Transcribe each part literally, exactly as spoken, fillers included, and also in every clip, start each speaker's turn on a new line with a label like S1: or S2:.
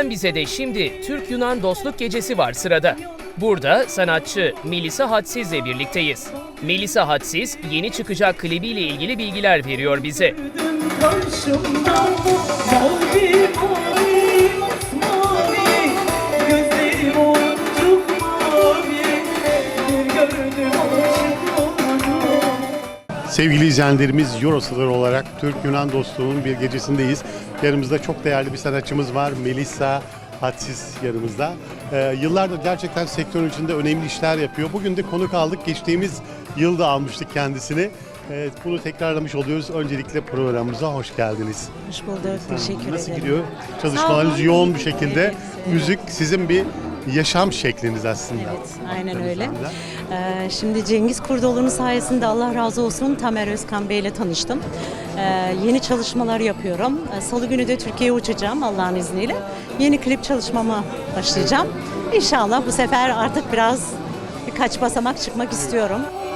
S1: Sen Bize de şimdi Türk-Yunan Dostluk Gecesi var sırada. Burada sanatçı Melisa Hadsiz'le birlikteyiz. Melisa Hadsiz yeni çıkacak klibiyle ilgili bilgiler veriyor bize.
S2: Karşımda mavi mavi mavi gözlerim oncuk mavi bir gördüm aşık oldum.
S3: Sevgili izleyenlerimiz, Eurostar olarak Türk-Yunan dostluğunun bir gecesindeyiz. Yanımızda çok değerli bir sanatçımız var. Melisa Hadsiz yanımızda. Ee, yıllardır gerçekten sektörün içinde önemli işler yapıyor. Bugün de konuk aldık. Geçtiğimiz yılda almıştık kendisini. Ee, bunu tekrarlamış oluyoruz. Öncelikle programımıza hoş geldiniz.
S4: Hoş bulduk. Teşekkür ederim.
S3: Nasıl gidiyor? Çalışmalarınız yoğun bir şekilde.
S4: Evet, evet.
S3: Müzik sizin bir yaşam şekliniz aslında.
S4: Evet, aynen öyle. Ee, şimdi Cengiz Kurdoğlu'nun sayesinde Allah razı olsun Tamer Özkan Bey ile tanıştım. Ee, yeni çalışmalar yapıyorum. Ee, Salı günü de Türkiye'ye uçacağım Allah'ın izniyle. Yeni klip çalışmama başlayacağım. İnşallah bu sefer artık biraz birkaç basamak çıkmak istiyorum.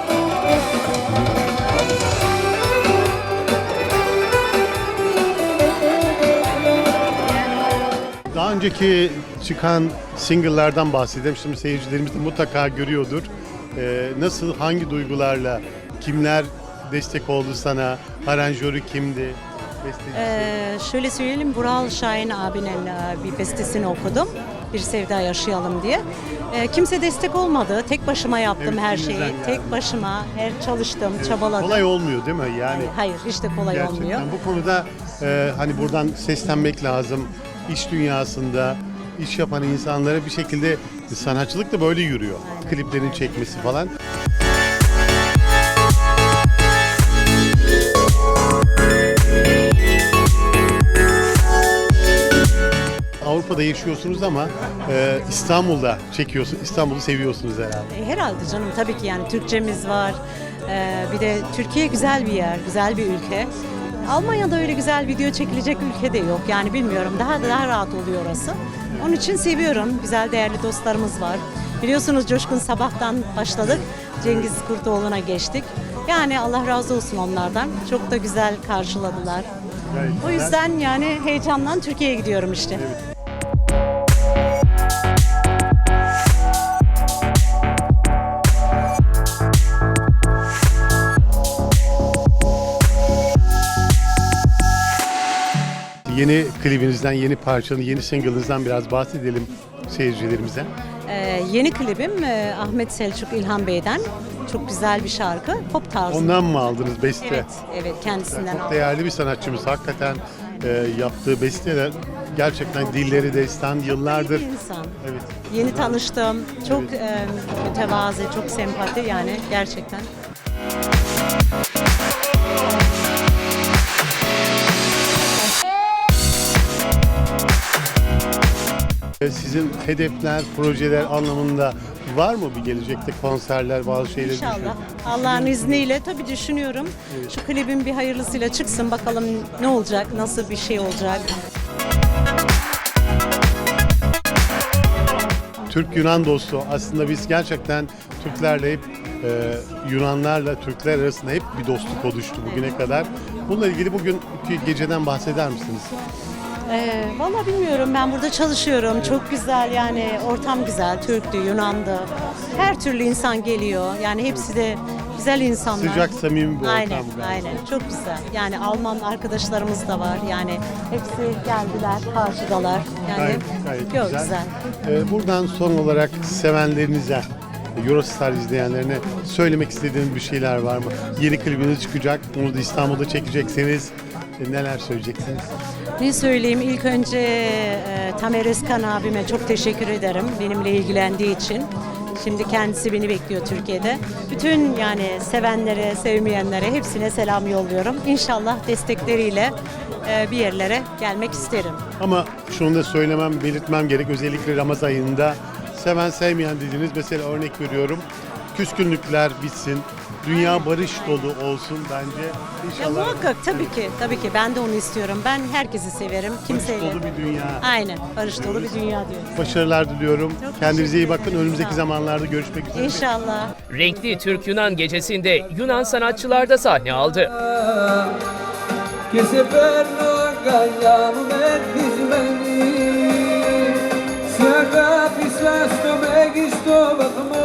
S3: Daha önceki çıkan single'lardan bahsedelim. Şimdi seyircilerimiz de mutlaka görüyordur. Ee, nasıl, hangi duygularla, kimler destek oldu sana, aranjörü kimdi, bestecisi?
S4: Ee, şöyle söyleyelim, Bural Şahin abinin e, bir bestesini okudum. Bir sevda yaşayalım diye. Ee, kimse destek olmadı. Tek başıma yaptım
S3: Evet,
S4: her şeyi.
S3: elinizden
S4: Tek
S3: geldi.
S4: başıma her çalıştım,
S3: Evet,
S4: çabaladım.
S3: Kolay olmuyor değil mi? Yani
S4: Hayır, hiç de kolay
S3: gerçekten
S4: olmuyor.
S3: bu konuda e, hani buradan seslenmek lazım. İş dünyasında iş yapan insanlara bir şekilde sanatçılık da böyle yürüyor.
S4: Aynen.
S3: Kliplerin çekmesi falan. Avrupa'da yaşıyorsunuz ama e, İstanbul'da çekiyorsunuz. İstanbul'u seviyorsunuz herhalde.
S4: E, Herhalde canım, tabii ki yani Türkçemiz var. Ee, bir de Türkiye güzel bir yer, güzel bir ülke. Almanya'da öyle güzel video çekilecek ülke de yok. Yani bilmiyorum, daha da daha rahat oluyor orası. Onun için seviyorum. Güzel, değerli dostlarımız var. Biliyorsunuz Coşkun Sabah'tan başladık. Cengiz Kurtoğlu'na geçtik. Yani Allah razı olsun onlardan. Çok da güzel karşıladılar.
S3: Gayet
S4: O
S3: güzel.
S4: yüzden yani heyecandan Türkiye'ye gidiyorum işte.
S3: Yeni klibinizden, yeni parçanın, yeni single'ınızdan biraz bahsedelim seyircilerimize.
S4: Ee, yeni klibim e, Ahmet Selçuk İlhan Bey'den. Çok güzel bir şarkı. Pop tarzı.
S3: Ondan mı aldınız beste?
S4: Evet, evet kendisinden
S3: Çok
S4: aldım.
S3: değerli bir sanatçımız. Hakikaten e, yaptığı besteler gerçekten dilleri destan yıllardır.
S4: Bir insan.
S3: Evet.
S4: Yeni tanıştım. Çok
S3: Evet.
S4: e, mütevazi, çok sempati yani gerçekten.
S3: E, Sizin hedefler, projeler anlamında var mı bir gelecekte konserler, bazı şeyler?
S4: İnşallah. Allah'ın izniyle tabii düşünüyorum. Şu klibin bir hayırlısıyla çıksın, bakalım ne olacak, nasıl bir şey olacak.
S3: Türk-Yunan dostluğu. Aslında biz gerçekten Türklerle hep e, Yunanlarla Türkler arasında hep bir dostluk oluştu bugüne kadar. Bununla ilgili bugünkü geceden bahseder misiniz?
S4: Ee, Valla bilmiyorum, ben burada çalışıyorum. Çok güzel yani, ortam güzel. Türk'tü, Yunan'dı. Her türlü insan geliyor. Yani hepsi de güzel insanlar.
S3: Sıcak, samimi bir ortam.
S4: Aynen,
S3: galiba.
S4: aynen. Çok güzel. Yani Alman arkadaşlarımız da var. Yani hepsi geldiler, karşıdalar. Yani
S3: Gayet, gayet
S4: yok,
S3: güzel.
S4: güzel.
S3: Ee, buradan son olarak sevenlerinize, Eurostar izleyenlerine söylemek istediğiniz bir şeyler var mı? Yeni klibiniz çıkacak, bunu da İstanbul'da çekeceksiniz. E, neler söyleyeceksiniz?
S4: Ne söyleyeyim? İlk önce e, Tamer Özkan abime çok teşekkür ederim benimle ilgilendiği için. Şimdi kendisi beni bekliyor Türkiye'de. Bütün yani sevenlere, sevmeyenlere hepsine selam yolluyorum. İnşallah destekleriyle e, bir yerlere gelmek isterim.
S3: Ama şunu da söylemem, belirtmem gerek. Özellikle Ramazan ayında seven sevmeyen dediğiniz, mesela örnek veriyorum. Küskünlükler bitsin, dünya barış dolu olsun bence.
S4: Ya
S3: İnşallah
S4: muhakkak, tabii ki, tabii ki ben de onu istiyorum. Ben herkesi severim,
S3: barış
S4: kimseyle.
S3: dolu bir dünya.
S4: Aynen, barış dolu bir dünya diyoruz.
S3: Başarılar diliyorum.
S4: Çok
S3: Kendinize iyi
S4: teşekkür
S3: bakın.
S4: ederim.
S3: Önümüzdeki
S4: Sağ olun.
S3: zamanlarda görüşmek üzere.
S4: İnşallah.
S1: Renkli Türk-Yunan gecesinde Yunan sanatçılar da sahne aldı.
S2: Che se per noi cagliamo nel dismeni
S5: kusura bakma